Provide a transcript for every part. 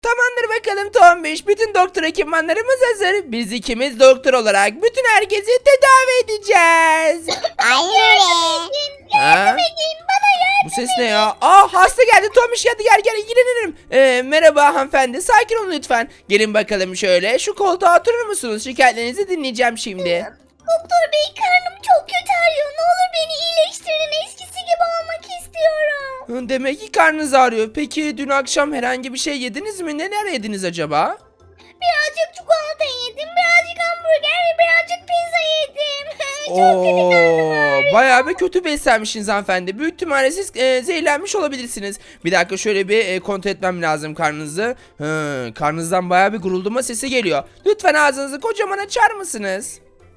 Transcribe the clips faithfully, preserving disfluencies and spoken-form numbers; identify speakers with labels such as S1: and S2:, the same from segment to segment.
S1: Tamamdır bakalım Tombiş. Bütün doktor ekipmanlarımız hazır. Biz ikimiz doktor olarak bütün herkesi tedavi edeceğiz.
S2: Aynen öyle.
S1: Ha? Bu ses ne ya? Aa, hasta geldi Tombiş, hadi gel gel ilgilenirim. Ee, merhaba hanımefendi, sakin olun lütfen. Gelin bakalım şöyle, şu koltuğa oturur musunuz? Şikayetlerinizi dinleyeceğim şimdi.
S2: Doktor bey, karnım çok kötü ağrıyor. Ne olur beni iyileştirin. Eskisi gibi olmak istiyorum.
S1: Hı, Demek ki karnınız ağrıyor. Peki dün akşam herhangi bir şey yediniz mi? Neler yediniz acaba?
S2: Birazcık çikolata yedim. Birazcık hamburger ve birazcık pizza yedim. çok kötü karnım
S1: Oo,
S2: ağrıyor.
S1: bayağı bir kötü beslenmişsiniz hanımefendi. Büyük ihtimalle siz e, zehirlenmiş olabilirsiniz. Bir dakika, şöyle bir e, kontrol etmem lazım karnınızı. Hı, karnınızdan bayağı bir guruldama sesi geliyor. Lütfen ağzınızı kocaman açar mısınız?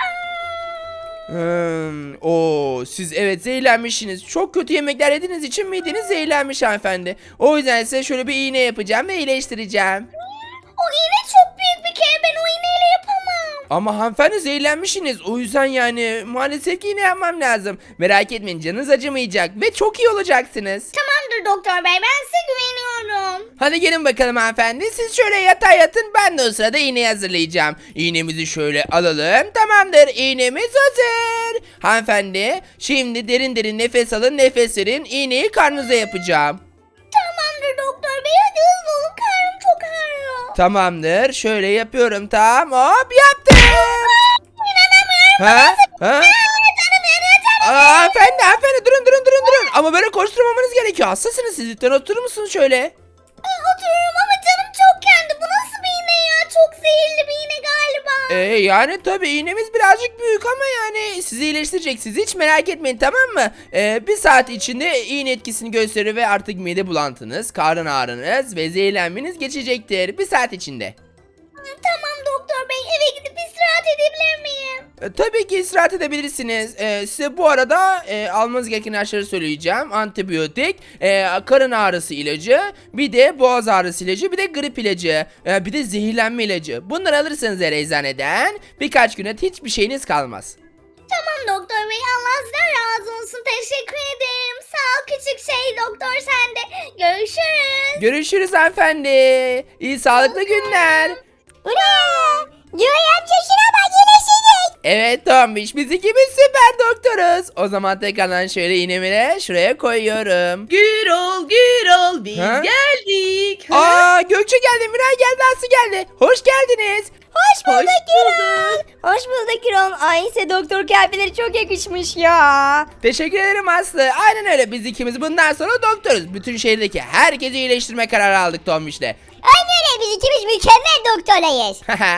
S1: Hmm, o siz evet zehirlenmişsiniz. Çok kötü yemekler yediğiniz için mideniz zehirlenmiş hanımefendi. O yüzden size şöyle bir iğne yapacağım ve iyileştireceğim.
S2: O iğne çok büyük bir kere. Ben o iğneyle yapamam.
S1: Ama hanımefendi zehirlenmişsiniz. O yüzden yani maalesef ki iğne yapmam lazım. Merak etmeyin, canınız acımayacak ve çok iyi olacaksınız.
S2: Tamamdır doktor bey. Ben size güveniyorum.
S1: Hadi gelin bakalım hanımefendi. Siz şöyle yatağa yatın, ben de o sırada iğneyi hazırlayacağım. İğnemizi şöyle alalım. Tamamdır, iğnemiz hazır. Hanımefendi şimdi derin derin nefes alın, nefes verin. İğneyi karnınıza yapacağım.
S2: Tamamdır doktor bey. Hadi hızlı olun. Karnım çok ağrıyor.
S1: Tamamdır, şöyle yapıyorum, tamam, hop yaptım.
S2: İnanamıyorum.
S1: Ha? Ha?
S2: Canım yanıyor, canım.
S1: Aa, hanımefendi hanımefendi durun durun durun durun. Ama böyle koşturmamanız gerekiyor. Hastasınız siz, lütfen oturur musunuz şöyle?
S2: Oturuyorum ama canım çok kendi. Bu nasıl bir iğne ya? Çok zehirli bir iğne galiba.
S1: Ee, yani tabii iğnemiz birazcık büyük ama yani sizi iyileştirecek, siz hiç merak etmeyin, tamam mı? Ee, bir saat içinde iğne etkisini gösterir ve artık mide bulantınız, karın ağrınız ve zehirlenmeniz geçecektir. Bir saat içinde.
S2: Tamam doktor bey, eve gidip istirahat edebilir miyim?
S1: E, tabii ki istirahat edebilirsiniz. E, size bu arada e, almanız gereken ilaçları söyleyeceğim. Antibiyotik, e, karın ağrısı ilacı, bir de boğaz ağrısı ilacı, bir de grip ilacı, e, bir de zehirlenme ilacı. Bunları alırsanız eğer eczaneden birkaç güne hiçbir şeyiniz kalmaz.
S2: Tamam doktor bey, Allah sizden razı olsun. Teşekkür ederim. Sağ ol küçük şey doktor, sen de. Görüşürüz.
S1: Görüşürüz hanımefendi. İyi sağlıklı günler.
S2: Ula! Joy amca şuna bak, iyileşecek.
S1: Evet Tombiş, biz ikimiz süper doktoruz. O zaman tekrardan şöyle iğnemi şuraya koyuyorum.
S3: Gürol, Gürol biz
S1: Ha?
S3: geldik. Ha?
S1: Aa, Gökçe geldi, Miray geldi, Aslı geldi. Hoş geldiniz.
S2: Hoş
S3: Hoş
S2: bulduk Gürol.
S3: bulduk.
S2: Hoş bulduk Gürol. Ay size doktor kıyafetleri çok yakışmış ya.
S1: Teşekkür ederim Aslı. Aynen öyle, biz ikimiz bundan sonra doktoruz. Bütün şehirdeki herkesi iyileştirme kararı aldık Tombiş'le.
S2: Aynen öyle, biz ikimiz mükemmel doktorlayız.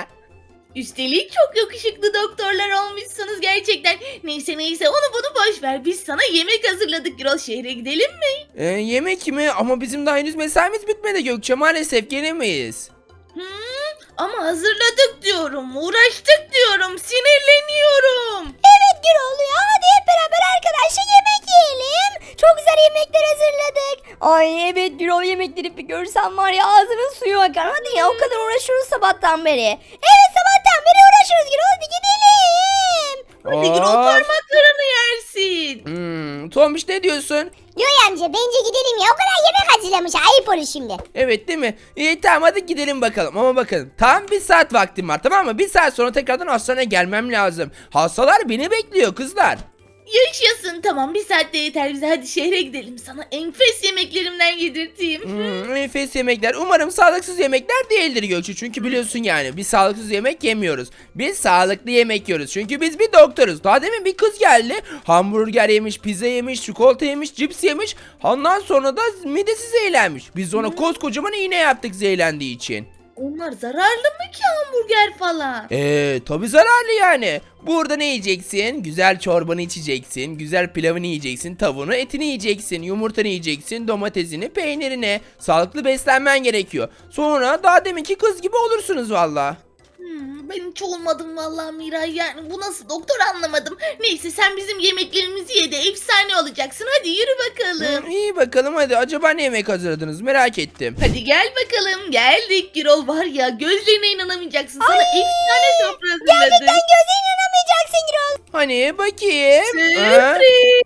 S3: Üstelik çok yakışıklı doktorlar olmuşsunuz gerçekten. Neyse neyse onu bunu boş ver. Biz sana yemek hazırladık Gürol. Şehre gidelim mi?
S1: Ee, yemek mi? Ama bizim daha henüz mesaimiz bitmedi Gökçe. Maalesef gelemeyiz.
S3: Hmm, ama hazırladık diyorum. Uğraştık diyorum. Sinirleniyorum.
S2: Evet Gürol ya, hadi hep beraber arkadaşlar yemek yiyelim. Çok güzel yemekler hazırladık. Ay evet Gürol, yemekleri bir görsen var ya, ağzının suyu akar. Hadi ya, o kadar uğraşıyoruz sabahtan beri. Evet, sabahtan beri uğraşıyoruz Gürol, hadi gidelim.
S3: Hadi Gürol,
S1: Of.
S3: parmaklarını yersin.
S1: Hmm, Tombiş ne diyorsun?
S2: Yoy amca, bence gidelim ya, o kadar yemek hazırlamış, ayıp olur şimdi.
S1: Evet değil mi? İyi tamam, hadi gidelim bakalım. Ama bakın, tam bir saat vaktim var, tamam mı? Bir saat sonra tekrardan hastaneye gelmem lazım. Hastalar beni bekliyor kızlar.
S3: Yaşasın, tamam, bir saatte yeter bize. Hadi şehre gidelim. Sana enfes yemeklerimden yedirteyim.
S1: Hmm, enfes yemekler. Umarım sağlıksız yemekler değildir Gökçe. Çünkü biliyorsun yani biz sağlıksız yemek yemiyoruz. Biz sağlıklı yemek yiyoruz. Çünkü biz bir doktoruz. Daha demin bir kız geldi. Hamburger yemiş, pizza yemiş, çikolata yemiş, cips yemiş. Ondan sonra da midesi zehirlenmiş. Biz ona koskocaman iğne yaptık zehirlendiği için.
S3: Onlar zararlı mı ki, hamburger falan?
S1: Eee tabi zararlı yani. Burada ne yiyeceksin? Güzel çorbanı içeceksin. Güzel pilavını yiyeceksin. Tavuğunu, etini yiyeceksin. Yumurtanı yiyeceksin. Domatesini, peynirini. Sağlıklı beslenmen gerekiyor. Sonra daha deminki kız gibi olursunuz valla.
S3: Hmm, ben hiç olmadım vallahi Miray, yani bu nasıl doktor anlamadım. Neyse, sen bizim yemeklerimizi ye de efsane olacaksın. Hadi yürü bakalım.
S1: İyi bakalım hadi. Acaba ne yemek hazırladınız? Merak ettim.
S3: Hadi gel bakalım, geldik Gürol, var ya gözlerine inanamayacaksın. Sana efsane sofra hazırladık.
S2: Gerçekten gözlerine inanamayacaksın Gürol.
S1: Hani bakayım. Ha?
S3: Sürpriz.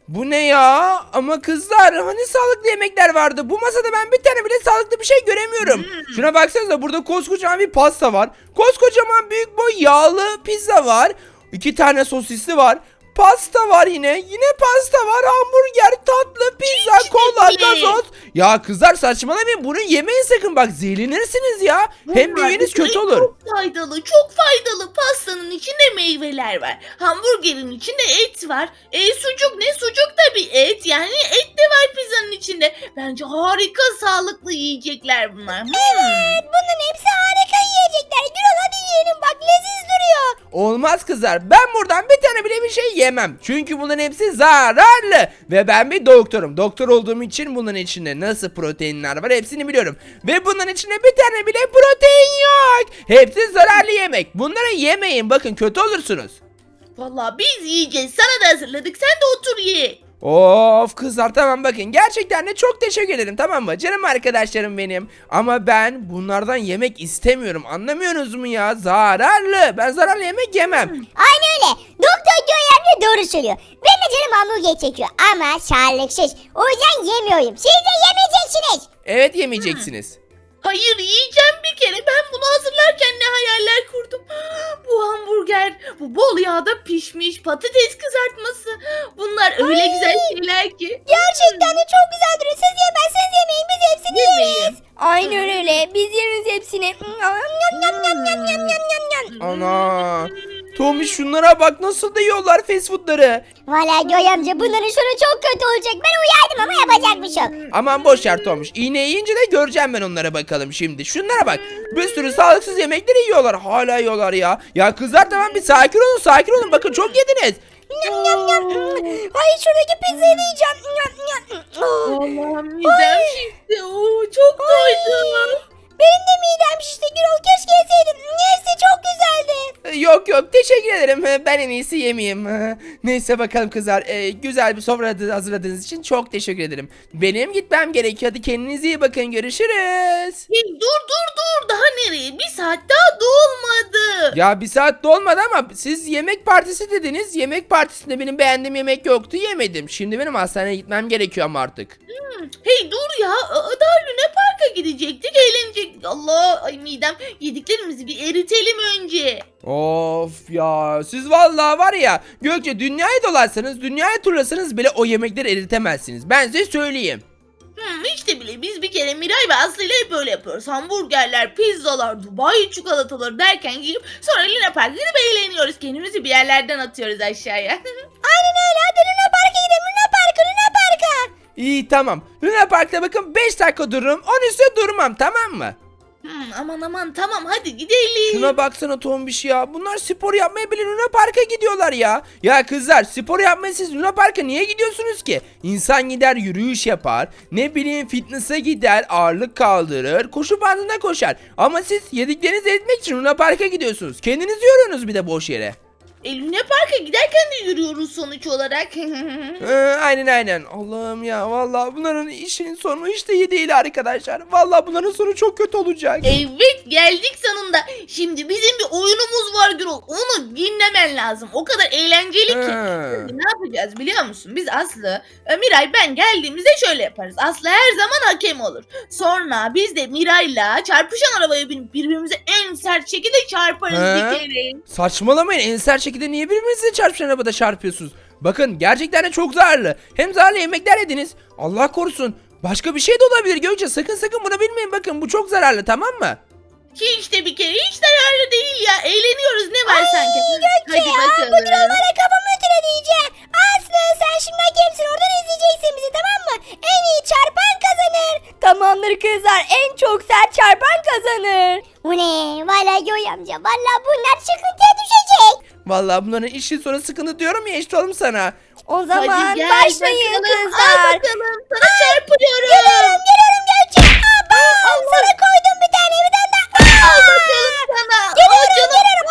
S1: Bu ne ya? Ama kızlar hani sağlıklı yemekler vardı. Bu masada ben bir tane bile sağlıklı bir şey göremiyorum. Şuna baksanıza, burada koskocaman bir pasta var. Koskocaman büyük boy yağlı pizza var. İki tane sosisli var. Pasta var yine. Yine pasta var. Hamburger, tatlı, pizza,
S3: Hiç
S1: kola,
S3: değil.
S1: gazoz. Ya kızlar saçmalamayın. Bunu yemeyin sakın. Bak zehirlenirsiniz ya. Hem
S3: Bunlar
S1: büyüğünüz
S3: bir kere
S1: kötü olur.
S3: Çok faydalı, çok faydalı. Pastanın içinde meyveler var. Hamburgerin içinde et var. E sucuk ne? Sucuk da bir et. Yani et de var pizzanın içinde. Bence harika sağlıklı yiyecekler bunlar. Hmm.
S2: Evet, bunların hepsi harika yiyecekler. Gürol hadi yiyelim bak, leziz duruyor.
S1: Olmaz kızlar. Ben buradan bir tane bile bir şey yemem. Çünkü bunların hepsi zararlı. Ve ben bir doktorum. Doktor olduğum için bunların içinde nasıl proteinler var hepsini biliyorum. Ve bunların içinde bir tane bile protein yok. Hepsi zararlı yemek. Bunları yemeyin. Bakın kötü olursunuz.
S3: Vallahi biz yiyeceğiz. Sana da hazırladık. Sen de otur ye.
S1: Of kızlar, tamam bakın, gerçekten de çok teşekkür ederim, tamam mı canım arkadaşlarım benim, ama ben bunlardan yemek istemiyorum, anlamıyorsunuz mu ya? Zararlı, ben zararlı yemek yemem.
S2: Aynen öyle. Doktor Göğe doğru söylüyor. Ben de canım hamburger çekiyor ama sağlıksız. O yüzden yemiyorum. Siz de yemeyeceksiniz.
S1: Evet, yemeyeceksiniz.
S3: Hayır yiyeceğim bir kere. Ben bunu hazırlarken ne hayaller kurdum. Bu hamburger, bu bol yağda pişmiş patates kızartması. Bunlar öyle güzel şeyler ki.
S2: Gerçekten de çok güzel duruyor. Siz yemezseniz yemeyin, biz hepsini
S3: Yemeyin.
S2: yeriz. Aynen öyle. Biz yeriz hepsini. Yam yam yam yam yam yam yam yam.
S1: Ana, Tommy şunlara bak, nasıl da yiyorlar fast foodları.
S2: Valla Göğe amca bunların sonu çok kötü olacak. Ben uyardım ama yapacak bir şey yok.
S1: Aman boş ver Tomuş, iğne yiyince de göreceğim ben onlara, bakalım şimdi. Şunlara bak, bir sürü sağlıksız yemekleri yiyorlar, hala yiyorlar ya. Ya kızlar tamam, bir sakin olun, sakin olun, bakın çok yediniz.
S2: Yam yam yam. Ay şuradaki pizzayı da yiyeceğim. Yam yam. Oh.
S3: Allah'ım midem şişti. Oo, çok doydum.
S2: Benim de midem şişti Gürol. Keşke yeseydim. Neyse çok güzeldi.
S1: Yok yok, teşekkür ederim, ben en iyisi yemeyeyim. Neyse bakalım kızlar, e, güzel bir sofra hazırladığınız için çok teşekkür ederim. Benim gitmem gerekiyor, hadi kendinize iyi bakın, görüşürüz.
S3: Hey, dur dur dur, daha nereye? Bir saat daha dolmadı.
S1: Ya bir saat dolmadı ama siz yemek partisi dediniz, yemek partisinde benim beğendiğim yemek yoktu, yemedim. Şimdi benim hastaneye gitmem gerekiyor ama artık.
S3: Hmm, hey dur ya, Aa, daha Luna Park'a gidecektik, eğlenecektik. Allah, ay midem, yediklerimizi bir eritelim önce.
S1: Of ya, siz vallahi var ya Gökçe, dünyayı dolarsanız, dünyayı turlasanız bile o yemekleri eritemezsiniz, ben size söyleyeyim.
S3: Hmm, işte bile biz bir kere Miray ve Aslı ile hep böyle yapıyoruz. Hamburgerler, pizzalar, Dubai çikolataları derken gidip sonra Luna Park'a gidip eğleniyoruz. Kendimizi bir yerlerden atıyoruz aşağıya.
S2: Aynen öyle. Hadi Luna Park'a gidelim. Luna Park'a, Luna Park'a.
S1: İyi tamam, Luna Park'ta bakın beş dakika dururum, on üstüne durmam, tamam mı?
S3: Hmm, aman aman tamam, hadi gidelim.
S1: Şuna baksana Tombiş ya. Bunlar spor yapmaya bile Luna Park'a gidiyorlar ya. Ya kızlar, spor yapmaya siz Luna Park'a niye gidiyorsunuz ki? İnsan gider yürüyüş yapar. Ne bileyim fitness'a gider, ağırlık kaldırır, koşu bandına koşar. Ama siz yediklerinizi eritmek için Luna Park'a gidiyorsunuz. Kendinizi yoruyorsunuz bir de boş yere.
S3: E, Luna Park'a giderken de yürüyoruz sonuç olarak.
S1: Ee, aynen aynen. Allah'ım ya, vallahi bunların işin sonu hiç de iyi değil arkadaşlar. Vallahi bunların sonu çok kötü olacak.
S3: Evet, geldik sonunda. Şimdi bizim bir oyunumuz var Gürol. Onu dinlemen lazım. O kadar eğlenceli ki.
S1: Ha.
S3: Şimdi ne yapacağız biliyor musun? Biz Aslı, e, Miray, ben geldiğimizde şöyle yaparız. Aslı her zaman hakem olur. Sonra biz de Miray'la çarpışan arabaya binip birbirimize en sert şekilde çarparız
S1: Ha?
S3: bir kere.
S1: Saçmalamayın, en sert şekilde niye birbirinize çarpışan arabada çarpıyorsunuz? Bakın gerçekten de çok zararlı. Hem zararlı yemekler yediniz. Allah korusun. Başka bir şey de olabilir Gökçe. Sakın sakın bunu bilmeyin. Bakın bu çok zararlı, tamam mı?
S3: Ki işte bir kere hiç zararlı değil ya. Eğleniyoruz, ne var sanki?
S2: Gökçe
S3: Hadi
S2: ya,
S3: bakalım.
S2: bu Gürol bana kafamı ütüle diyeceğim. Aslı sen şimdi hakemsin, oradan izleyeceksin bizi, tamam mı? En iyi çarpan kazanır. Tamamdır kızlar, en çok sert çarpan kazanır. Bu ne? Valla Göğe amca, valla bunlar sıkıntıya düşecek.
S1: Vallahi bunların işin sonu sıkıntı diyorum ya işte oğlum sana.
S2: O zaman
S3: Hadi gel
S2: başlayın
S3: bakalım. Al
S2: kızlar.
S3: bakalım. Sana çarpıyorum.
S2: Geliyorum geliyorum Gökçe. Abam sana koydum bir tane, bir tane daha.
S3: Al bakalım sana.
S2: Geliyorum
S3: Al canım.
S2: geliyorum.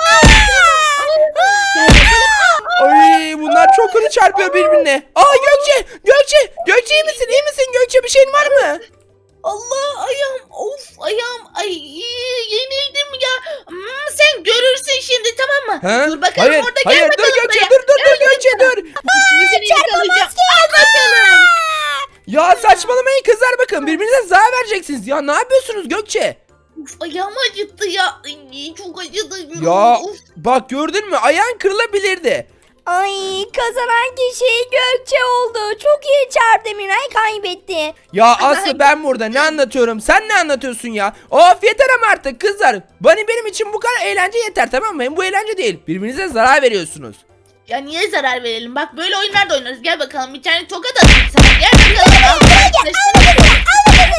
S3: Gel bakalım.
S1: Ay bunlar çok kötü çarpıyor birbirine. Aa Gökçe! Gökçe! Gökçe iyi misin? İyi misin Gökçe? Bir şeyin var mı?
S3: Allah, ayağım, of ayağım, ay yenildim ya. Hmm, sen görürsün şimdi, tamam mı?
S1: Ha?
S3: Dur bakalım
S1: Hayır,
S3: orada,
S1: hayır,
S3: gel
S1: dur
S3: bakalım
S1: Gökçe,
S3: buraya.
S1: dur dur
S3: Gel
S1: dur Gökçe
S3: bakalım.
S1: dur.
S3: Şimdi seni yakalayacağım. Al
S1: gideceksiniz ya. Ne yapıyorsunuz Gökçe?
S3: Uf, ayağım acıttı ya. Ay, çok acıdı. Gürol.
S1: Ya
S3: Of.
S1: bak gördün mü? Ayağın kırılabilirdi.
S2: Ay kazanan kişi Gökçe oldu. Çok iyi çarptı, Miray kaybetti.
S1: Ya Aslı ben burada ne anlatıyorum? Sen ne anlatıyorsun ya? Of yeter ama artık kızlar. Bani benim için bu kadar eğlence yeter, tamam mı? Hem bu eğlence değil. Birbirinize zarar veriyorsunuz.
S3: Ya niye zarar verelim? Bak böyle oyunlar da oynarız. Gel bakalım bir tane tokat atayım sana. Gel bakalım. Al bakalım.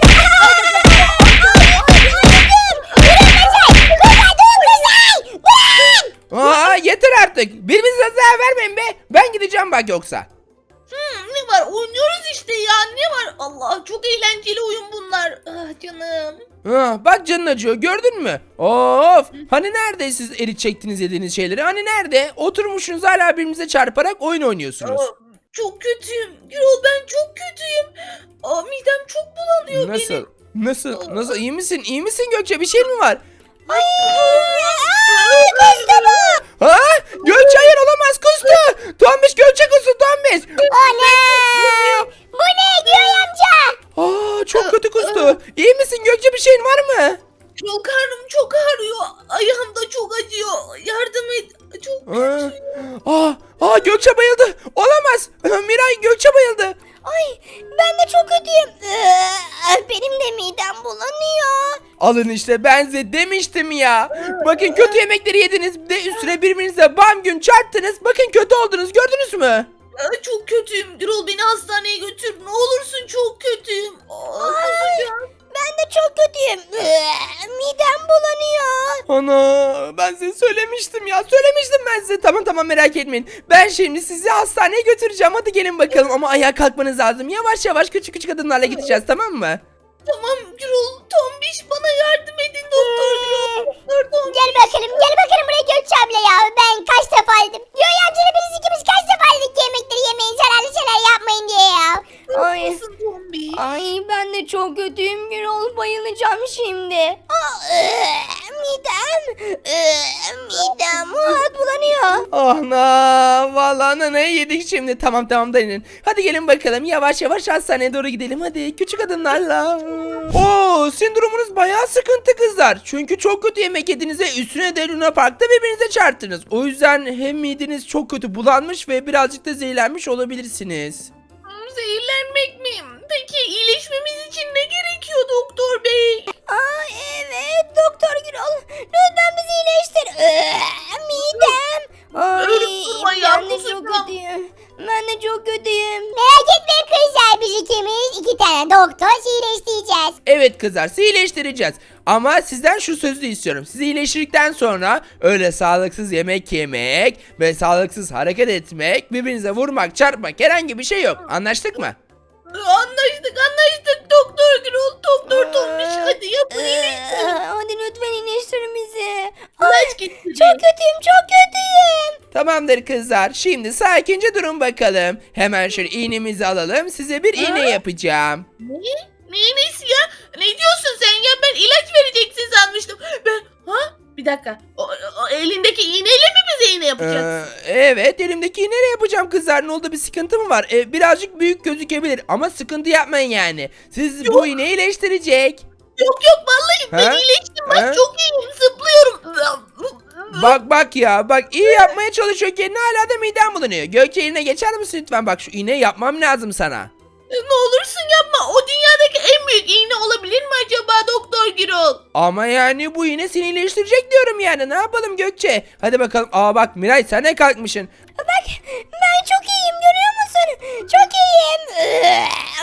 S1: Aa yeter artık. Birbirinize zarar vermeyin be. Ben gideceğim bak yoksa.
S3: Hmm, ne var? Oynuyoruz işte ya. Ne var? Allah çok eğlenceli oyun bunlar. Ah canım.
S1: Ha, bak canın acıyor, gördün mü? Of! Hani nerede siz erit çektiniz yediğiniz şeyleri? Hani nerede? Oturmuşsunuz hala birbirinize çarparak oyun oynuyorsunuz.
S3: Aa, çok kötüyüm. Gürol ben çok kötüyüm. Aa, midem çok bulanıyor
S1: Nasıl?
S3: benim.
S1: Nasıl? Nasıl? İyi misin? İyi misin Gökçe? Bir şey mi var?
S2: Ay, ay kustu bu.
S1: Ha? Gökçe hayır olamaz, kustu. Tombiş Gökçe kustu, Tombiş.
S2: Ana! Bu ne Güray amca?
S1: Aa çok kötü kustu. İyi misin Gökçe, bir şeyin var mı?
S3: Çok karnım çok ağrıyor. Ayağım da çok acıyor. Yardım et. Çok
S1: Aa,
S3: kötüyüm.
S1: aa, aa Gökçe bayıldı. Olamaz. Miray Gökçe bayıldı.
S2: Ay ben de çok kötüyüm. Ee, Benim de midem bulanıyor.
S1: Alın işte, ben size demiştim ya. Bakın kötü yemekleri yediniz. Bir de üstüne birbirinize bam gün çarptınız. Bakın kötü oldunuz, gördünüz mü?
S3: Aa, çok kötüyüm. Gürol beni hastaneye götür. Ne olursun çok kötüyüm. Aa, kusacağım.
S2: Ben de çok kötüyüm. Ee, Midem bulanıyor.
S1: Ana ben size söylemiştim ya, söylemiştim ben size. Tamam tamam merak etmeyin. Ben şimdi sizi hastaneye götüreceğim, hadi gelin bakalım. Ama ayağa kalkmanız lazım. Yavaş yavaş küçük küçük adımlarla gideceğiz, tamam mı?
S3: Tamam Gürol. Tombiş bana yardım edin doktor Gürol. Doktor Tombiş.
S2: Gel bakalım gel bakalım buraya Gökçe abla ya. Ben kaç defa dedim. Güray amcayla biz ikimiz kaç defa dedik yemekleri yemeyin, zararlı şeyler yapmayın diye ya. Ay.
S3: Nasılsın Tombiş?
S2: Ay ben de çok kötüyüm Gürol, bayılacağım şimdi. Aa, ee, midem, ee, midem aa, bulanıyor.
S1: Ana vallahi nanayı yedik şimdi. Tamam tamam dayanın. Hadi gelin bakalım, yavaş yavaş hastaneye doğru gidelim. Hadi küçük adımlarla. Oo sizin durumunuz bayağı sıkıntı kızlar. Çünkü çok kötü yemek yediniz ve üstüne de Luna Park'ta birbirinize çarptınız. O yüzden hem mideniz çok kötü bulanmış ve birazcık da zehirlenmiş olabilirsiniz.
S3: Hmm, Zehirlenmek mi? Peki iyileşmemiz için ne gerekiyor doktor bey?
S2: Aa evet doktor Gürol, lütfen bizi iyileştir. Ee, midem. Ay
S3: Ölüp durma ya,
S2: ben de çok
S3: kusacağım.
S2: kötüyüm. Ben de çok kötüyüm. Merak etmeyin kızlar, biz ikimiz iki tane doktor iyileştireceğiz.
S1: Evet kızlar, sizi iyileştireceğiz. Ama sizden şu sözü istiyorum. Sizi iyileştirdikten sonra öyle sağlıksız yemek yemek ve sağlıksız hareket etmek, birbirinize vurmak, çarpmak herhangi bir şey yok. Anlaştık mı?
S3: Anlaştık anlaştık doktor Gürol. Doktor Tombiş hadi yapın iyileştirin.
S2: Ee, Hadi lütfen iyileştirin bizi.
S3: İlaç getirin.
S2: Çok kötüyüm, çok kötüyüm.
S1: Tamamdır kızlar. Şimdi sakince durun bakalım. Hemen şöyle iğnemizi alalım. Size bir iğne yapacağım.
S3: Ne? Ne iğnesi ya? Ne diyorsun sen ya? Ben ilaç vereceksin sanmıştım. Ben ha? Bir dakika. O, o elindeki iğneyle mi bize iğne
S1: Ee,
S3: yapacaksın?
S1: evet, elimdeki iğneyle yapacağım kızlar. Ne oldu, bir sıkıntı mı var? Ee, birazcık büyük gözükebilir ama sıkıntı yapmayın yani. Siz bu iğneyi iyileştirecek.
S3: Yok yok vallahi ben
S1: Ha?
S3: iyileştim.
S1: Ha?
S3: Bak çok iyiyim. Zıplıyorum.
S1: Bak bak ya, bak iyi yapmaya çalışıyorken hala da midem bulanıyor. Gökçe yerine geçer misin lütfen? Bak şu iğneyi yapmam lazım sana.
S3: Ne olursun yapma. O dünyadaki en büyük iğne olabilir mi acaba Doktor Gürol?
S1: Ama yani bu iğne seni iyileştirecek diyorum yani. Ne yapalım Gökçe? Hadi bakalım. Aa bak Miray, sen ne kalkmışsın?
S2: Bak ben çok iyiyim, görüyor musun? Çok iyiyim. Ee,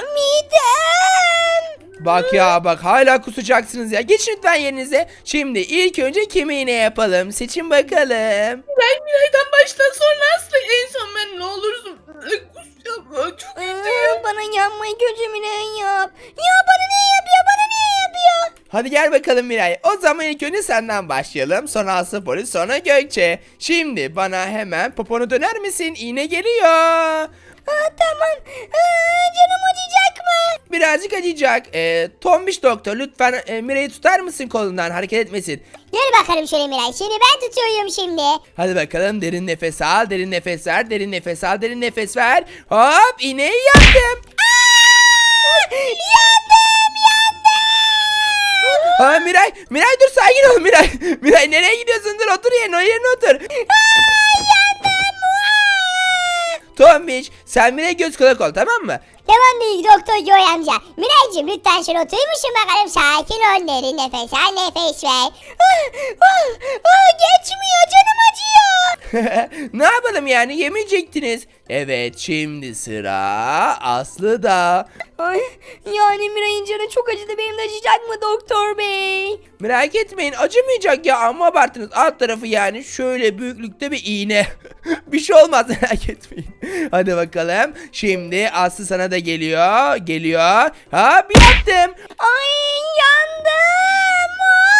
S2: midem.
S1: Bak ya bak, hala kusacaksınız ya. Geçin lütfen yerinize. Şimdi ilk önce kime iğne yapalım? Seçin bakalım.
S3: Ben Miray'dan başla sonra Aslı en son ben ne olursun. Kusacağım. Çok
S2: Ee, bana yapmayı önce Miray yap. Ya bana ne yapıyor? Bana niye yapıyor?
S1: Hadi gel bakalım Miray. O zaman ilk önce senden başlayalım. Sonra Aslı Polis, sonra Gökçe. Şimdi bana hemen poponu döner misin? İğne geliyor.
S2: Aa, tamam. Aa, canım acıyacak mı?
S1: Birazcık acıyacak. Ee, Tombiş doktor lütfen e, Miray'ı tutar mısın kolundan, hareket etmesin.
S2: Gel bakalım şöyle Miray. Şimdi ben tutuyorum şimdi.
S1: Hadi bakalım, derin nefes al, derin nefes ver, derin nefes al, derin nefes ver. Hop, iğneyi yaptım.
S2: Yandım, yandım.
S1: Ha Miray, Miray dur sakin ol Miray. Miray nereye gidiyorsun? Dur otur yerine, o yerine otur. Tombiş sen Miray göz kulak ol tamam mı?
S2: Tamam değil doktor Joy amca. Miraycığım lütfen şöyle oturur musun bakalım? Sakin ol, derin nefes al, nefes ver. Ah, ah, ah, geçmiyor, canım acıyor.
S1: Ne yapalım yani, yemeyecektiniz. Evet şimdi sıra Aslı'da.
S2: Ay, yani Miray'ın canı çok acıdı, benim de acıyacak mı doktor bey?
S1: Merak etmeyin acımayacak ya, ama abarttınız. Alt tarafı yani şöyle büyüklükte bir iğne. Bir şey olmaz merak etmeyin. Hadi bakalım. Şimdi Aslı sana da geliyor. Geliyor. Ha bir yaptım.
S2: Ay yandım.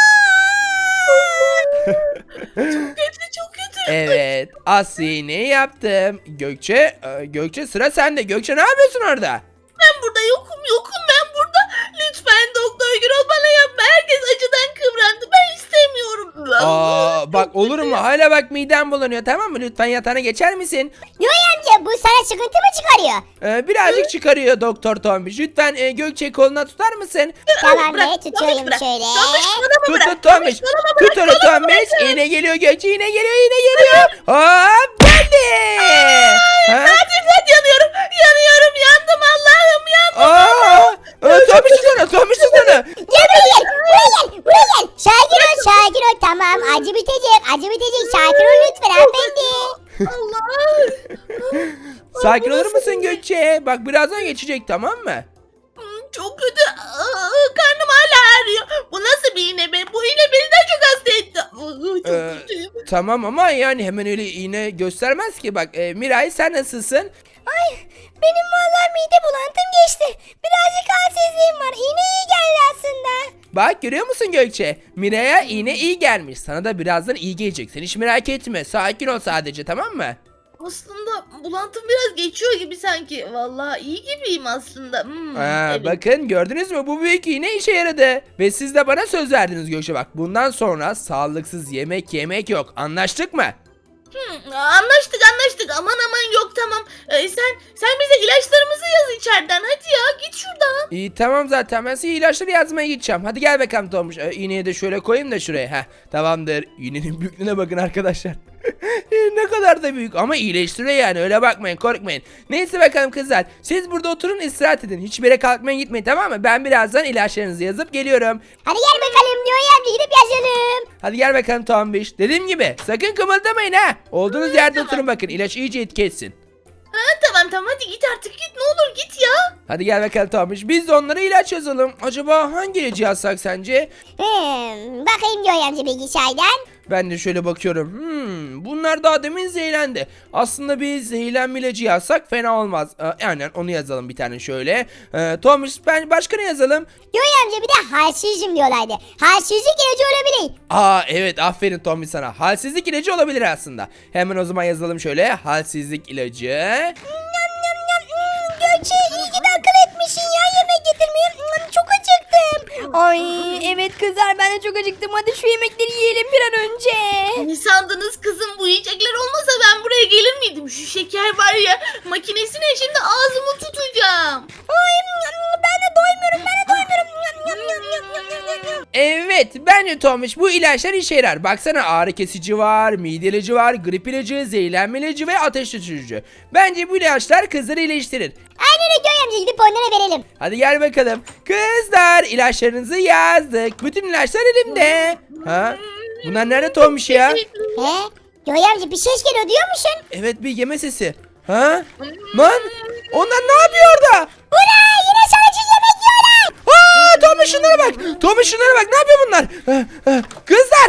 S3: Çok kötü çok kötü.
S1: Evet Aslı iğneyi yaptım. Gökçe, e, Gökçe sıra sende. Gökçe ne yapıyorsun orada?
S3: Ben burada yokum yokum ben burada. Lütfen Doktor Gürol bana yapma. Herkes acıdan kıvrandı. Ben istemiyorum.
S1: Aa bak olur mu? Hala bak midem bulanıyor tamam mı? Lütfen yatağına geçer misin?
S2: Joy amca, bu sana sıkıntı mı çıkarıyor?
S1: Ee, birazcık çıkarıyor Doktor Tombiş. Lütfen e, Gökçe koluna tutar mısın?
S2: Tamam
S3: bırak,
S2: be, tutuyorum
S3: Tombiş, bırak.
S2: şöyle.
S3: Tombiş, bana mı
S1: Tut
S3: bırak?
S1: tut Tombiş.
S3: Bana
S1: Tut
S3: bırak,
S1: onu
S3: bana
S1: Tombiş.
S3: bırak.
S1: Yine geliyor Gökçe. Yine geliyor. Yine geliyor. Hop geldi. Ha?
S3: Hadi hadi yanıyorum. Yanıyorum yandım Allah'ım yandım.
S1: Aa! Ee, Tombiş tutsana. Tombiş tutsana.
S2: Gel buraya gel, buraya gel, buraya gel. Sakin ol, sakin ol. Tamam, acı bitecek, acı bitecek. Sakin ol lütfen hanımefendi.
S3: Allah.
S1: Sakin olur musun Gökçe? Bak birazdan geçecek tamam mı?
S3: Hmm, Çok kötü. Aa, karnım hala ağrıyor. Bu nasıl bir iğne be? Bu iğne beni daha çok hasta etti. Aa, Çok
S1: Ee,
S3: kötüyüm.
S1: Tamam ama yani hemen öyle iğne göstermez ki. Bak e, Miray sen nasılsın?
S2: Ay, benim vallahi mide bulantım geçti. Birazcık halsizliğim var. İğne iyi geldi aslında.
S1: Bak görüyor musun Gökçe? Miray'a iğne iyi gelmiş. Sana da birazdan iyi gelecek. Sen hiç merak etme. Sakin ol sadece tamam mı?
S3: Aslında bulantım biraz geçiyor gibi sanki. Vallahi iyi gibiyim aslında. Hmm,
S1: Aa,
S3: evet.
S1: Bakın gördünüz mü? Bu büyük iğne işe yaradı. Ve siz de bana söz verdiniz Gökçe bak. Bundan sonra sağlıksız yemek yemek yok. Anlaştık mı?
S3: Hmm, anlaştık anlaştık. Aman aman yok tamam. Ee, sen sen bize ilaçlarımızı yaz içeriden. Hadi ya git şuradan.
S1: İyi tamam zaten ben size ilaçları yazmaya gideceğim. Hadi gel bakalım Tomuş. Ee, iğneyi de şöyle koyayım da şuraya. Heh, tamamdır. İğnenin büyüklüğüne bakın arkadaşlar. Ne kadar da büyük ama iyileştiriyor yani öyle bakmayın korkmayın. Neyse bakalım kızlar siz burada oturun istirahat edin. Hiçbir yere kalkmayın gitmeyin tamam mı? Ben birazdan ilaçlarınızı yazıp geliyorum.
S2: Hadi gel bakalım Joy amca, gidip yazalım.
S1: Hadi gel bakalım Tombiş. Dediğim gibi sakın kımıldamayın ha. Olduğunuz yerde
S3: tamam.
S1: oturun bakın ilaç iyice etki etsin.
S3: Ha, tamam tamam hadi git artık git ne olur git ya.
S1: Hadi gel bakalım Tombiş. Biz de onlara ilaç yazalım. Acaba hangi ilacı yazsak sence?
S2: Hmm, bakayım Joy amca bilgisayardan.
S1: Ben de şöyle bakıyorum. Hmm, bunlar daha demin zehirlendi. Aslında biz zehirlenme ilacı yazsak fena olmaz. Ee, aynen onu yazalım bir tane şöyle. Ee, Tomuş ben başka ne yazalım?
S2: Joy amca bir de halsizim diyorlardı. Halsizlik ilacı olabilir.
S1: Aa evet aferin Tomuş sana. Halsizlik ilacı olabilir aslında. Hemen o zaman yazalım şöyle. Halsizlik ilacı.
S2: Nyam nyam nyam. Hmm, Gökçe iyi ki de akıl etmişsin ya, yemek getirmeye. Hmm, çok acıktım. Ay evet kızlar, ben de çok acıktım. Hadi şu yemekleri yiyelim bir an önce.
S3: Ne sandınız kızım bu yiyecekler olmasa ben buraya gelir miydim? Şu şeker var ya makinesine şimdi ağzımı tutacağım.
S2: Ay ben de doymuyorum, ben de doymuyorum. Nyam nyam nyam nyam nyam nyam nyam.
S1: Evet bence Tomuş bu ilaçlar işe yarar. Baksana ağrı kesici var, mide ilacı var, grip ilacı, zehirlenme ilacı ve ateş düşürücü. Bence bu ilaçlar kızları iyileştirir.
S2: Aynen öyle Joy amca, gidip onlara verelim.
S1: Hadi gel bakalım. Kızlar ilaçlarınızı yazdık. Bütün ilaçlar elimde. Ha? Bunlar nerede Tomuş ya?
S2: He? Joy amca bir ses geliyor, duyuyor musun?
S1: Evet bir yeme sesi. Ha? Lan onlar ne yapıyor orada?
S2: Ula yine sadece yemek yiyorlar.
S1: Aa Tomuş şunlara bak. Tomuş şunlara bak. Ne yapıyor bunlar? Ha, ha. Kızlar.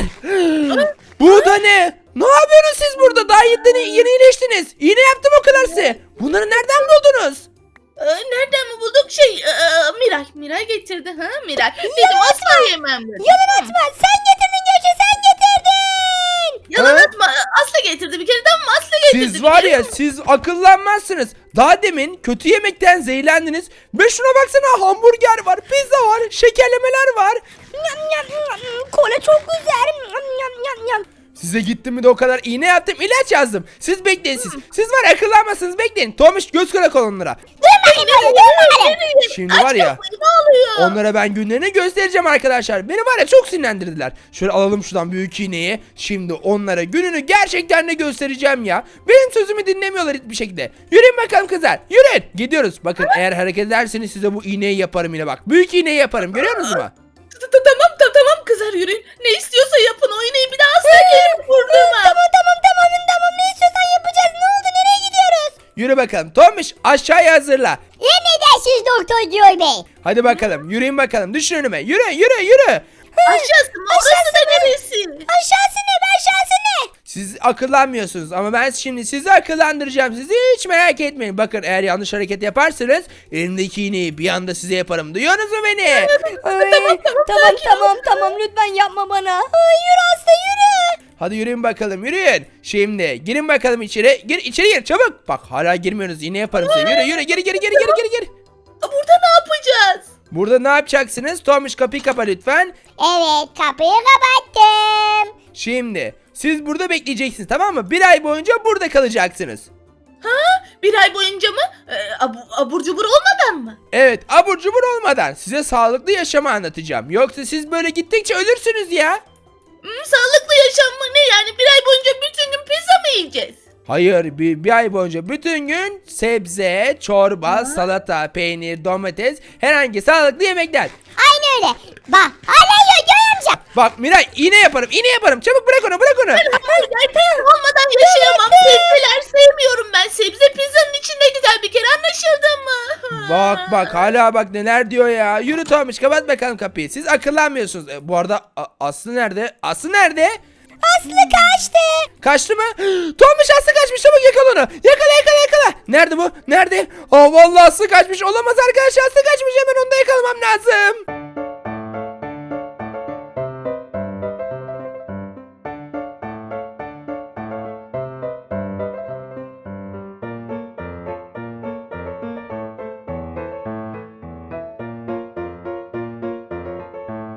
S1: Bu da ne? Ne yapıyorsunuz siz burada? Daha yeni, yeni iyileştiniz. İğne yaptım o kadar size. Bunları nereden buldunuz?
S3: Ee, nereden mi bulduk şey ee, Miray Miray getirdi ha Miray. Dedim asla yemem dedim.
S2: Yalan atma, sen getirdin Gökçe, sen getirdin.
S3: Yalan
S1: Ha?
S3: atma Aslı getirdi bir kere tamam mı Aslı getirdi.
S1: Siz
S3: bir
S1: var
S3: kere.
S1: ya siz akıllanmazsınız. Daha demin kötü yemekten zehirlendiniz. Ve şuna baksana hamburger var, pizza var, şekerlemeler var.
S2: Nyam nyam nyam. Kola çok güzel. Nyam nyam nyam nyam.
S1: Size gittim mi de o kadar iğne yaptım, ilaç yazdım. Siz bekleyin siz. Siz var ya, akıllanmazsınız, bekleyin. Tomiş göz kulak ol onlara.
S2: Dur bakayım orada dur bakalım.
S1: Şimdi var ya,
S3: Kapıyı, ne oluyor?
S1: onlara ben günlerini göstereceğim arkadaşlar. Beni var ya çok sinirlendirdiler. Şöyle alalım şuradan büyük iğneyi. Şimdi onlara gününü gerçekten de göstereceğim ya. Benim sözümü dinlemiyorlar hiçbir şekilde. Yürüyün bakalım kızlar. Yürüyün. Gidiyoruz. Bakın eğer hareket ederseniz size bu iğneyi yaparım yine bak. Büyük iğneyi yaparım. Görüyor musunuz mu?
S3: Tamam tamam tamam kızlar yürüyün. Ne istiyorsa yapın o iğneyi bir daha asla gelip vurdurma.
S2: Tamam tamam tamam tamam ne istiyorsan yapacağız. Ne oldu nereye gidiyoruz?
S1: Yürü bakalım. Tomiş aşağıya hazırla.
S2: Emredersiniz Doktor Joy Bey.
S1: Hadi bakalım. Yürüyün bakalım. Düşün önüme. Yürü yürü yürü.
S3: Aşağısı mı? Orası da neresi?
S2: Aşağısı ne be aşağısı ne?
S1: Siz akıllanmıyorsunuz ama ben şimdi sizi akıllandıracağım. Sizi hiç merak etmeyin. Bakın eğer yanlış hareket yaparsanız elimdeki iğneyi bir anda size yaparım. Duyuyorsunuz mu beni?
S2: Ay, tamam tamam tamam tamam lütfen yapma bana. Ay, yürü Aslı yürü.
S1: Hadi yürüyün bakalım, yürüyün. Şimdi girin bakalım içeri. Gir içeri gir çabuk. Bak hala girmiyorsunuz. Yine yaparım size. Yürü yürü geri geri geri geri geri geri.
S3: Burada ne yapacağız?
S1: Burada ne yapacaksınız? Tomiş kapıyı kapa lütfen.
S2: Evet kapıyı kapattım.
S1: Şimdi siz burada bekleyeceksiniz, tamam mı? Bir ay boyunca burada kalacaksınız.
S3: Bir ay boyunca mı? Ee, abu, abur cubur olmadan mı?
S1: Evet, abur cubur olmadan size sağlıklı yaşamı anlatacağım. Yoksa siz böyle gittikçe ölürsünüz ya.
S3: Hmm, sağlıklı yaşam mı ne yani? Bir ay boyunca bütün gün pizza mı yiyeceğiz?
S1: Hayır, bir, bir ay boyunca bütün gün sebze, çorba, salata, peynir, domates, herhangi sağlıklı yemekler.
S2: Aynı öyle. Bak hala yiyor Joy amca.
S1: Bak Miray, iğne yaparım, iğne yaparım. Çabuk bırak onu, bırak onu.
S3: Hamburger pizza olmadan yaşayamam. Sebzeler sevmiyorum ben. Sebze pizzanın içinde güzel bir kere anlaşıldı mı?
S1: Bak bak hala bak neler diyor ya. Yürü Tomiş, kapat bakalım kapıyı. Siz akıllanmıyorsunuz. E, bu arada A- Aslı nerede? Aslı nerede?
S2: Aslı kaçtı.
S1: Kaçtı mı? Tomiş Aslı kaçmış, çabuk yakala onu. Yakala yakala yakala. Nerede bu? Nerede? Aa vallahi Aslı kaçmış. Olamaz arkadaşlar, Aslı kaçmış, hemen onu da yakalamam lazım.